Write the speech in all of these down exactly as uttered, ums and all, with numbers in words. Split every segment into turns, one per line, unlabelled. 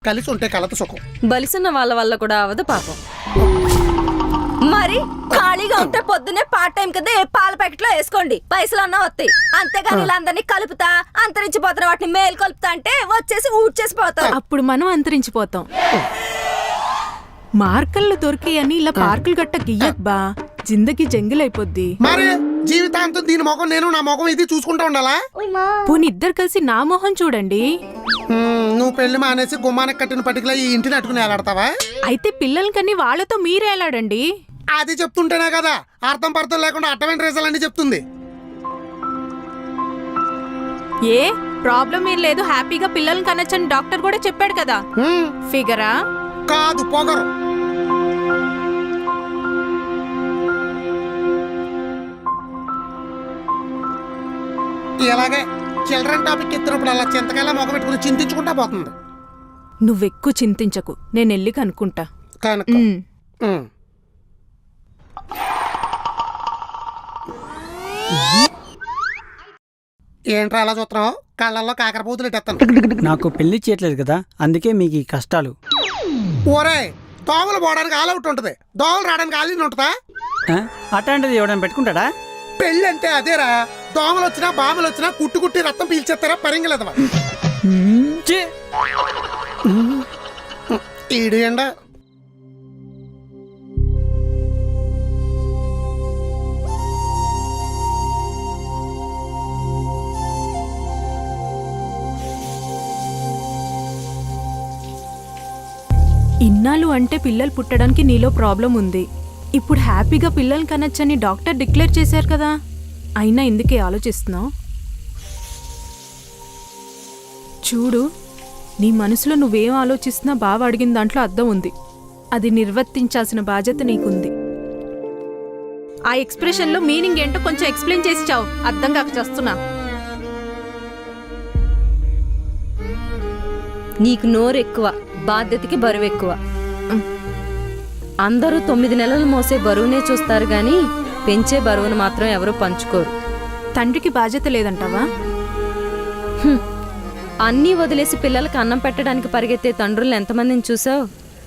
కలిసి ఉంటే కలత సుఖం.
బలిసిన వాళ్ళ వల్ల కూడా అవదు పాపం. మరి ఖాళీగా ఉంటే పొద్దున్నే పార్ట్ టైం కదా ఏ పాల ప్యాకెట్ లో వేసుకోండి, పైసలు అన్నా వస్తాయి. అంతేగాని ఇలా అందరినీ కలుపుతా అంతరించిపోతున్న వాటిని మేలు కలుపుతా అంటే వచ్చేసి ఊడ్చేసి పోతాం.
అప్పుడు మనం అంతరించిపోతాం. మార్కల్లో దొరికాయని ఇలా పార్కులు గట్ట గియ్యక్ బా, జిందగీ జంగిలైపోద్ది.
మరి జీవితాంతం దీని మొఖం నేను నా మొఖం ఇది చూసుకుంటా ఉండాలా?
పోనీ ఇద్దరు కలిసి నా మొహం చూడండి.
నువ్వు పెళ్లి మానేసి గుమ్మానికి కట్టిన పట్టికలా ఈ ఇంటిని అట్టుకుని వేలాడతావా?
అయితే పిల్లలకని వాళ్ళతో మీరేలాడండి.
అది చెప్తుంటేనే కదా అర్థం పర్థం లేకుండా అట్టమైన రేసాలన్నీ చెప్తుంది.
ఏ ప్రాబ్లం ఏం లేదు, హ్యాపీగా పిల్లల్ని కనొచ్చని డాక్టర్ కూడా చెప్పాడు కదా. ఫిగరా
కాదు పొగరు. ఇలాగే చిల్డ్రన్ టాపిక్ ఎత్తినప్పుడు అలా చింతకాయలా మొగ పెట్టుకుని చింతించుకుంటా పోతుంది.
నువ్వెక్కువ చింతించకు, నేను వెళ్ళి కనుక్కుంటా.
కనుక ఏంట్రా అలా చూస్తున్నావు? కళ్ళల్లో కాకరపోతులు ఎట్టేస్తాను.
నాకు పెళ్లి చేయట్లేదు కదా, అందుకే మీకు ఈ కష్టాలు.
ఓరే, దోమలు పోవడానికి ఆలౌట్ ఉంటుంది, దోమలు రావడానికి ఆలీన్ ఉంటుందా?
అట్లాంటిది ఎవడని పెట్టుకుంటాడా?
పెళ్ళి అంటే అదేరా, దోమలు వచ్చినా బామలు వచ్చినా కుట్టు కుట్టి రక్తం పీల్చేస్తారా పరింగలేదవా? ఈడు ఎండ
ఇన్నాళ్ళు అంటే పిల్లలు పుట్టడానికి నీలో ప్రాబ్లం ఉంది. ఇప్పుడు హ్యాపీగా పిల్లల్ని కనొచ్చని డాక్టర్ డిక్లేర్ చేశారు కదా, అయినా ఎందుకే ఆలోచిస్తున్నావు? చూడు, నీ మనసులో నువ్వేం ఆలోచిస్తున్నా బావ అడిగిన దాంట్లో అర్థం ఉంది. అది నిర్వర్తించాల్సిన బాధ్యత నీకుంది. ఆ ఎక్స్ప్రెషన్లో మీనింగ్ ఏంటో కొంచెం ఎక్స్ప్లెయిన్ చేసి చావు, అర్థం కాక చేస్తున్నా.
నీకు నోరు ఎక్కువ, బాధ్యతకి బరువు ఎక్కువ. అందరూ తొమ్మిది నెలలు మోసే బరువునే చూస్తారు గాని పెంచే బరువును మాత్రం ఎవరు పంచుకోరు.
తండ్రికి బాధ్యత లేదంటావా?
అన్నీ వదిలేసి పిల్లలకి అన్నం పెట్టడానికి పరిగెత్తే తండ్రులను ఎంతమందిని చూసావు?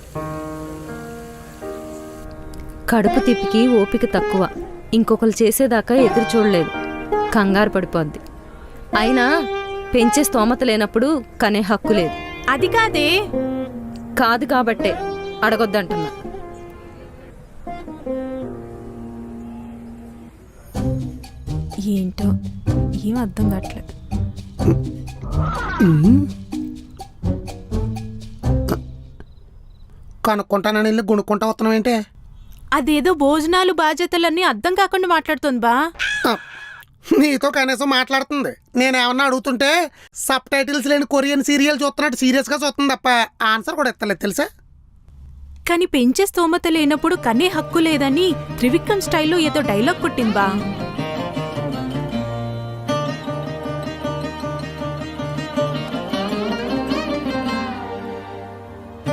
కడుపు తిప్పికి ఓపిక తక్కువ, ఇంకొకరు చేసేదాకా ఎదురు చూడలేదు, కంగారు పడిపోద్ది. అయినా పెంచే స్తోమత లేనప్పుడు కనే హక్కు లేదు.
అది కాదే.
కాదు కాబట్టే అడగొద్దంటున్నా.
ఏంటో ఏం అర్థం కావట్లేదు.
కనుక్కుంటానని వెళ్ళి గుణుక్కుంటా వస్తున్నావు ఏంటి?
అదేదో భోజనాలు బాధ్యతలన్నీ అర్థం కాకుండా మాట్లాడుతుంది బా.
నీతో కనీసం మాట్లాడుతుంది. నేనేమన్నా అడుగుతుంటే సబ్ టైటిల్స్ లేని కొరియన్ సీరియల్ చూస్తున్నట్టు సీరియస్ గా చూస్తుంది తప్ప ఆన్సర్ కూడా ఎత్తలేదు తెలుసా?
కానీ పెంచే స్తోమత లేనప్పుడు కనే హక్కు లేదని త్రివిక్రమ్ స్టైల్లో ఏదో డైలాగ్ కొట్టింది బా.